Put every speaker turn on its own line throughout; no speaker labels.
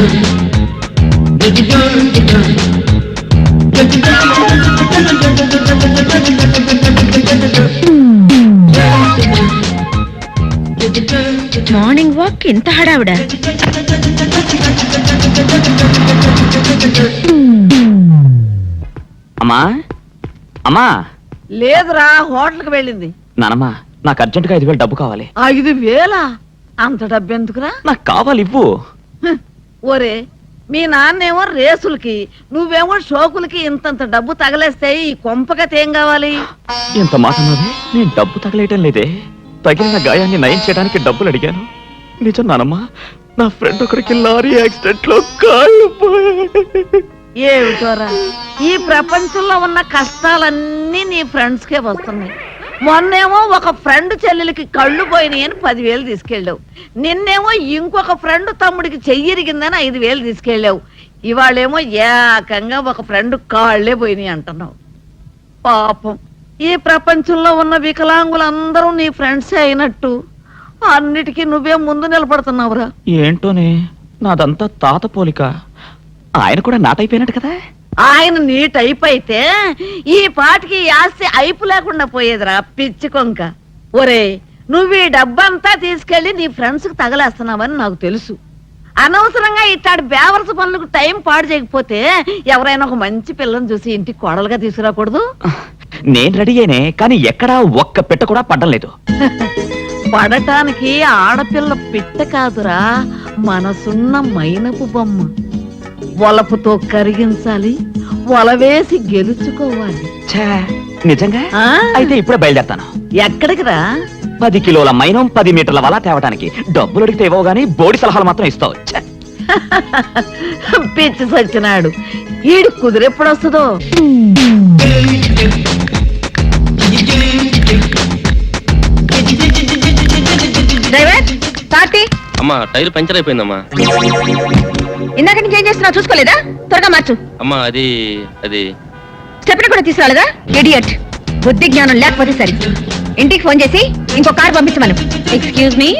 Morning walk ఇంత హడావిడా?
అమ్మా అమ్మా.
లేదురా, హోటల్కి వెళ్ళింది.
నానమ్మా, నాకు అర్జెంటుగా 5,000 డబ్బు కావాలి.
5,000? అంత డబ్బు ఎందుకురా?
నాకు కావాలి, ఇవ్వు.
ఒరే, మీ నాన్నేమో రేసులకి, నువ్వేమో షోకులకి ఇంతంత డబ్బు తగలేస్తే ఈ కొంపకత ఏం కావాలి?
ఎంత మాట అన్నది? నేను డబ్బు తగలేయటం లేదే, తగిలిన గాయాన్ని నయం చేయడానికి డబ్బులు అడిగాను. నిజం నానమ్మా, నా ఫ్రెండ్ ఒకరికి లారీ యాక్సిడెంట్ లో కాళ్ళు పోయాయి.
ఏమిటోరా, ఈ ప్రపంచంలో ఉన్న కష్టాలన్నీ నీ ఫ్రెండ్స్ కే వస్తున్నాయి. మొన్నేమో ఒక ఫ్రెండ్ చెల్లెలకి కళ్ళు పోయినాయి అని 10,000 తీసుకెళ్ళావు. నిన్నేమో ఇంకొక ఫ్రెండ్ తమ్ముడికి చెయ్యిరిగిందని 5,000 తీసుకెళ్ళావు. ఇవాళేమో ఏకంగా ఒక ఫ్రెండ్ కాళ్లే పోయినాయి అంటున్నావు. పాపం, ఈ ప్రపంచంలో ఉన్న వికలాంగులందరూ నీ ఫ్రెండ్సే అయినట్టు అన్నిటికీ నువ్వే ముందు నిలబడుతున్నావురా.
ఏంటోనే, నాదంతా తాత పోలిక. ఆయన కూడా నాటైపోయినట్టు కదా.
ఆయన నీ టైప్ అయితే ఈ పాటికి ఆస్తి అయిపు లేకుండా పోయేదిరా పిచ్చి కొంక. ఒరే, నువ్వు ఈ డబ్బంతా తీసుకెళ్లి నీ ఫ్రెండ్స్ కి తగలేస్తున్నావని నాకు తెలుసు. అనవసరంగా ఇట్లాంటి బేవర్స్ పనులకు టైం పాడు చేయకపోతే ఎవరైనా ఒక మంచి పిల్లని చూసి ఇంటికి కోడలుగా తీసుకురాకూడదు?
నేను రెడీ అయినే, కానీ ఎక్కడా ఒక్క పెట్ట కూడా పడ్డం లేదు.
పడటానికి ఆడపిల్ల పిట్ట కాదురా, మనసున్న మైనపు బొమ్మ. వలపుతో కరిగించాలి, వలవేసి గెలుచుకోవాలి.
నిజంగా? అయితే ఇప్పుడే బయలుదేరతాను.
ఎక్కడికి రా?
10 కిలోల మైనం 10 మీటర్ల వల తేవడానికి. డబ్బులు అడిగితే ఇవ్వవు గానీ బోడి సలహాలు మాత్రం ఇస్తావు.
పిచ్చి సచ్చినాడు, ఈడు కుదిరెప్పుడు వస్తుందో.
అమ్మా, టైర్ పంచర్ అయిపోయిందమ్మా.
ఇందాక నుంచి ఏం చేస్తున్నావు చూసుకోలేదా? త్వరగా మార్చు.
అమ్మా, అది అది
స్టెప్ని కూడా తీసుకురాలేదా? ఇడియట్, బుద్ధి జ్ఞానం లేకపోతే సరే. ఇంటికి ఫోన్ చేసి ఇంకో కార్ పంపించమను. Excuse me.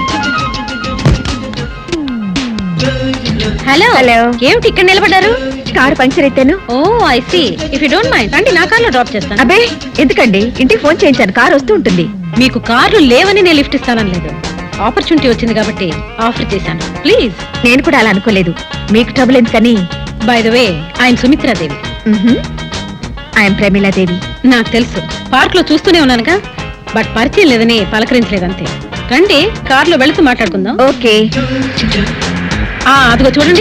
హలో హలో, ఏమిటి ఇక్కడ నిలబడ్డారు? కారు పంక్చర్ అయితేను. Oh I see. If you don't mind రండి, నా కార్లో డ్రాప్ చేస్తాను. అబ్బే ఎందుకండి, ఇంటికి ఫోన్ చేయించాను, కారు వస్తూ ఉంటుంది. మీకు కార్లు లేవని నేను లిఫ్ట్ ఇస్తానని లేదు, ఆపర్చునిటీ వచ్చింది కాబట్టి ఆఫర్ చేశాను. ప్లీజ్. నేను కూడా అలా అనుకోలేదు, మీకు ట్రబుల్ ఎందుకని. బై ద వే, ఆయన సుమిత్రాదేవి. ఆయన ప్రమీలాదేవి. నాకు తెలుసు, పార్క్ లో చూస్తూనే ఉన్నానుగా, బట్ పరిచయం లేదని పలకరించలేదంతే. రండి, కార్లో వెళుతూ మాట్లాడుకుందాం. ఓకే. అదిగో చూడండి,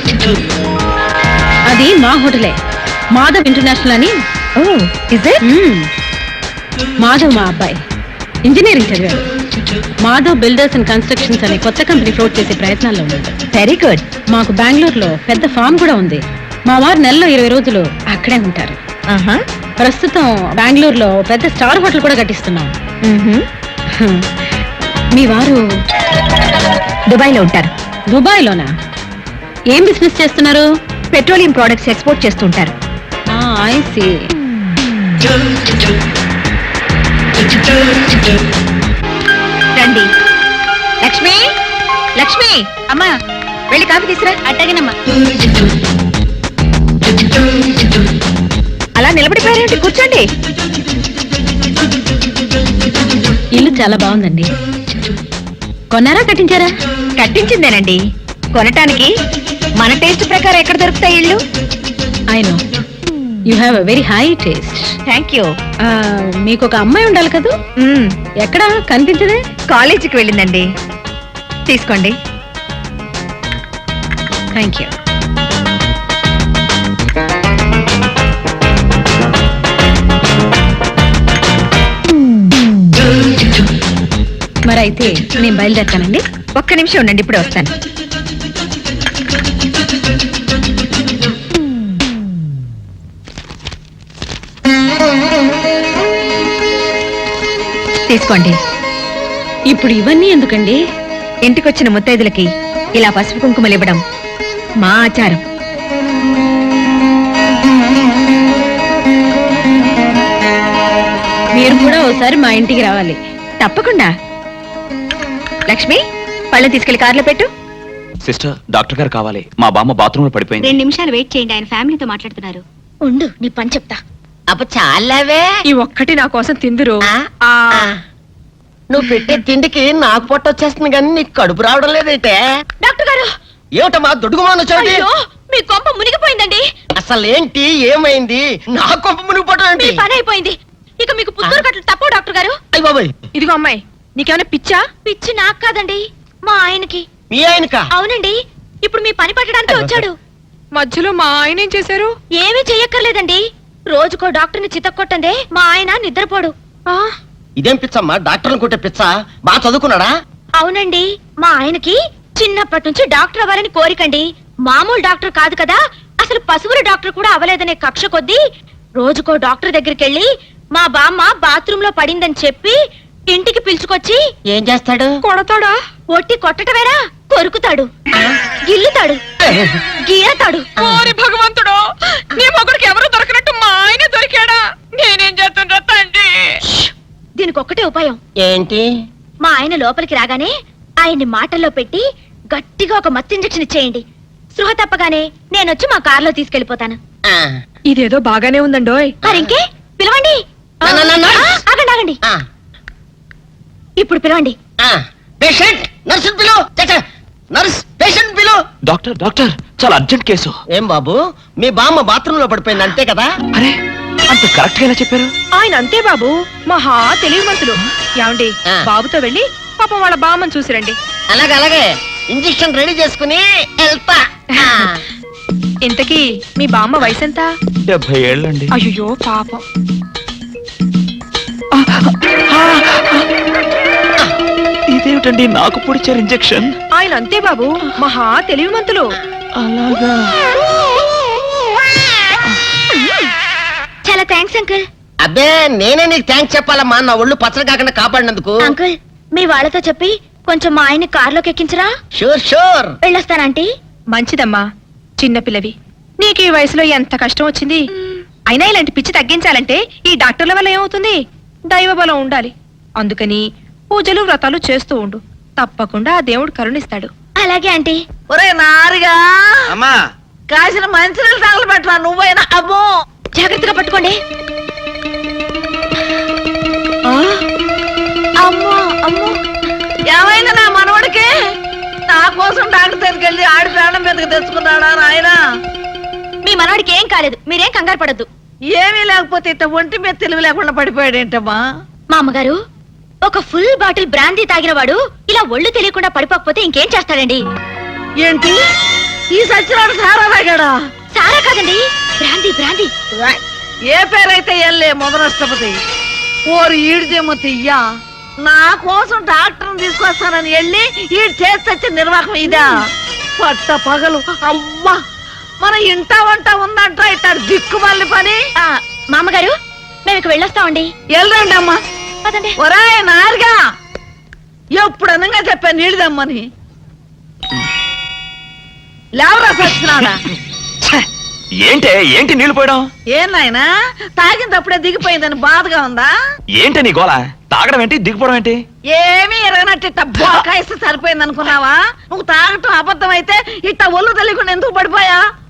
అది మా హోటలే, మాధవ్ ఇంటర్నేషనల్ అని. Oh is it? మాధవ్ మా అబ్బాయి, ఇంజనీరింగ్ చదివాడు. మాధవ్ బిల్డర్స్ అండ్ కన్స్ట్రక్షన్స్ అనే కొత్త కంపెనీ ఫ్లోట్ చేసే ప్రయత్నాల్లో ఉంది. Very good. మాకు బెంగళూరులో పెద్ద ఫామ్ కూడా ఉంది. మా వారు నెలలో 20 రోజులు అక్కడే ఉంటారు. ప్రస్తుతం బెంగళూరులో పెద్ద స్టార్ హోటల్ కూడా కట్టిస్తున్నాం. మీ వారు దుబాయ్లో ఉంటారు. దుబాయ్లోనా? ఏం బిజినెస్ చేస్తున్నారు? పెట్రోలియం ప్రొడక్ట్స్ ఎక్స్పోర్ట్ చేస్తుంటారు. I see. రండి. లక్ష్మి, లక్ష్మి అమ్మా, వెళ్ళి కాఫీ తీసురా. అట్టగినమ్మా. అలా నిలబడిపోయారేంటి? కూర్చోండి. ఇల్లు చాలా బాగుందండి. కొన్నారా కట్టించారా? కట్టించిందేనండి. కొనటానికి మన టేస్ట్ ప్రకారం ఎక్కడ దొరుకుతాయి ఇల్లు? I know you have a very high taste. Thank you. మీకు ఒక అమ్మాయి ఉండాలి కదా? ఎక్కడ కనిపించదే? కాలేజీకి వెళ్ళిందండి. తీసుకోండి. Thank you. మరైతే నేను బయలుదేరుతానండి. ఒక్క నిమిషం ఉండండి, ఇప్పుడే వస్తాను. తీసుకోండి. ఇప్పుడు ఇవన్నీ ఎందుకండి? ఇంటికొచ్చిన ముత్తైదులకి ఇలా పసుపు కుంకుమలు ఇవ్వడం మా ఆచారం. మీరు కూడా ఒకసారి మా ఇంటికి రావాలి. తప్పకుండా. లక్ష్మి, పళ్ళని తీసుకెళ్లి కార్లో పెట్టు.
సిస్టర్ డాక్టర్ గారు కావాలి, మా బామ్మ బాత్రూమ్ లో పడిపోయింది.
2 నిమిషాలు వెయిట్ చేయండి, ఆయన ఫ్యామిలీతో మాట్లాడుతున్నారు. ఉండు, నీ పని చెప్తా.
అప్ప చాలావే.
ఈ ఒక్కటి నా కోసం తిందురు.
నువ్వు పెట్టే తిండికి నాకు పొట్ట వచ్చేస్తుంది కానీ నీకు కడుపు రావడం లేదైతే.
డాక్టర్ గారు,
ఏమిటమ్మా దుడుగుమాను వచ్చాడు?
అయ్యో, మీ కొంప మునిగిపోయిందండి.
అసలు ఏంటి, ఏమైంది? నా కొంప మునిగిపోవడం
మీ
ఏంటి?
పని అయిపోయింది. ఇక మీకు పుత్తూరు కట్టలు తప్పవు డాక్టర్ గారు.
అయ్య బాబాయ్,
ఇదిగో అమ్మాయి, నీకేమైనా పిచ్చా? పిచ్చి నాకు కాదండి, మా ఆయనకి.
మీ ఆయనకా?
అవునండి, ఇప్పుడు మీ పని పట్టడానికి వచ్చాడు.
మధ్యలో మా ఆయన ఏం చేశారు?
ఏమీ చెయ్యక్కర్లేదండి, రోజుకో డాక్టర్ని చితక్కొట్టందే మా ఆయన నిద్రపోడు.
ఇదేం పిచ్చమ్మా, డాక్టర్ని కొట్టే పిచ్చ? బాగా చదువుకున్నాడా?
అవునండి, మా ఆయనకి చిన్నప్పటి నుంచి డాక్టర్ అవ్వాలని కోరికండి. మామూలు డాక్టర్ కాదు కదా, అసలు పశువుల డాక్టర్ కూడా అవ్వలేదనే కక్ష కొద్దీ రోజుకో డాక్టర్ దగ్గరికి వెళ్ళి మా బామ్మ బాత్రూమ్ లో పడిందని చెప్పి ఇంటికి పిలుచుకొచ్చి
ఏం చేస్తాడు?
కొడతాడా?
ఒట్టి కొట్టటమేరా, కొరుకుతాడు, గిల్లుతాడు, గీరతాడు.
ఓరి భగవంతుడు, నీ మొగుడికి ఎవరు దొరకనట్టు మా ఆయన దొరికాడా? నేనేం చేస్తుండ్రా తండ్రి?
దీనికి ఒక్కటే ఉపాయం.
ఏంటి?
మా ఆయన లోపలికి రాగానే ఆయన్ని మాటల్లో పెట్టి గట్టిగా ఒక మత్తు ఇంజెక్షన్ ఇచ్చేయండి. స్పృహ తప్పగానే నేనొచ్చి మా కారులో తీసుకెళ్లిపోతాను.
ఆ,
ఇదేదో బాగానే ఉందండోయ్.
మరింకే పిలవండి. ఆగండి ఆగండి,
ఆ,
ఇప్పుడు పిలవండి.
ఆ. పేషెంట్, నర్సు పిలు. నర్స్, పేషెంట్ పిలు.
డాక్టర్ డాక్టర్, చాలా అర్జెంట్ కేసు.
ఏం బాబు, మీ బామ్మ బాత్రూమ్ లో పడిపోయింది అంతే కదా?
అరే, అంత కరెక్ట్ గా ఎలా చెప్పారు?
ఆయన అంతే బాబు, మహా తెలివిమంతులు. ఏమండి,
ఆ.
బాబుతో వెళ్ళి పాపం వాళ్ళ బామ్మని చూసిరండి.
అలాగే అలాగే, ఇంజెక్షన్ రెడీ చేసుకుని వెళ్తా. ఆ.
ఇంతకీ మీ బామ్మ వయసు ఎంత?
70 ఏళ్ళండి.
అయ్యో పాపం.
ఇదేమిటండి నాకు పొడిచారు ఇంజెక్షన్?
ఆయన అంతే బాబు, మహా తెలివిమంతులు.
అలాగా?
చాలా థ్యాంక్స్ అంకుల్.
అబ్బే, నేనే నీకు థ్యాంక్స్ చెప్పాలమ్మా, నా ఒళ్ళు పచ్చడి కాకుండా కాపాడినందుకు.
అంకుల్, మీ వాళ్ళతో చెప్పి కొంచెం మా ఆయన్ని కారులోకి ఎక్కించరా?
Sure sure.
వెళ్ళొస్తానంటీ.
మంచిదమ్మా, చిన్నపిల్లవి, నీకు ఈ వయసులో ఎంత కష్టం వచ్చింది. అయినా ఇలాంటి పిచ్చి తగ్గించాలంటే ఈ డాక్టర్ల వల్ల ఏమవుతుంది? దైవ బలం ఉండాలి. అందుకని పూజలు వ్రతాలు చేస్తూ ఉండు, తప్పకుండా ఆ దేవుడు కరుణిస్తాడు.
అలాగే ఆంటీ.
ఒరే నారిగా,
అమ్మా,
కాసిన మంచినీళ్ళు తగలబెట్టరా నువ్వైనా. అబ్బో,
జాగ్రత్తగా పట్టుకోండి. అమ్మో అమ్మో,
ఏమైంది నా మనవడికి? నా కోసం డాక్టర్ దగ్గరికి వెళ్ళి ఆడి ప్రాణం మీదకి తెచ్చుకున్నాడా నాయనా?
మీ మనవాడికి ఏం కాలేదు, మీరేం కంగారు పడద్దు.
ఏమీ లేకపోతే ఇట్ట ఒంటి మీద తెలివి లేకుండా పడిపోయాడేంటమ్మా?
మా అమ్మగారు, ఒక ఫుల్ బాటిల్ బ్రాందీ తాగిన వాడు ఇలా ఒళ్ళు తెలియకుండా పడిపోకపోతే ఇంకేం చేస్తాడండి?
ఏంటి, ఈ సచ్చినాడు సారా తాగాడా?
సారా కాదండి, బ్రాందీ బ్రాందీ.
ఏ పేరైతే ఎల్లే మొదలష్టపతి. ఓరు ఈడిదేమో తియ్యా, నా కోసం డాక్టర్ని తీసుకొస్తానని వెళ్ళి ఈడు చేసి నిర్వాహం ఇదా? పట్ట పగలు అవ్వా, మన ఇంట వంట ఉందంట ఇట్టాడు దిక్కుమల్లి పని.
మా అమ్మగారు, మేము ఇక వెళ్ళొస్తామండి.
వెళ్ళండి అమ్మా.
పదండి.
ఒరే నారుగా, ఎప్పుడు అనగా చెప్పాను నీళ్ళదమ్మని. లేవరా సచ్చినాడా?
ఏంటే ఏంటి నీళ్లు పోయడం?
ఏం నాయనా, తాగినప్పుడే దిగిపోయిందని బాధగా ఉందా?
ఏంటి నీ గోల? తాగడం ఏంటి, దిగిపోవడం ఏంటి?
ఏమీ ఎరగనట్టు ఇట్ట బోకాయిస్తే సరిపోయింది అనుకున్నావా? నువ్వు తాగటం అబద్ధం అయితే ఇట్ట ఒళ్ళు తెలియకుండా ఎందుకు పడిపోయా?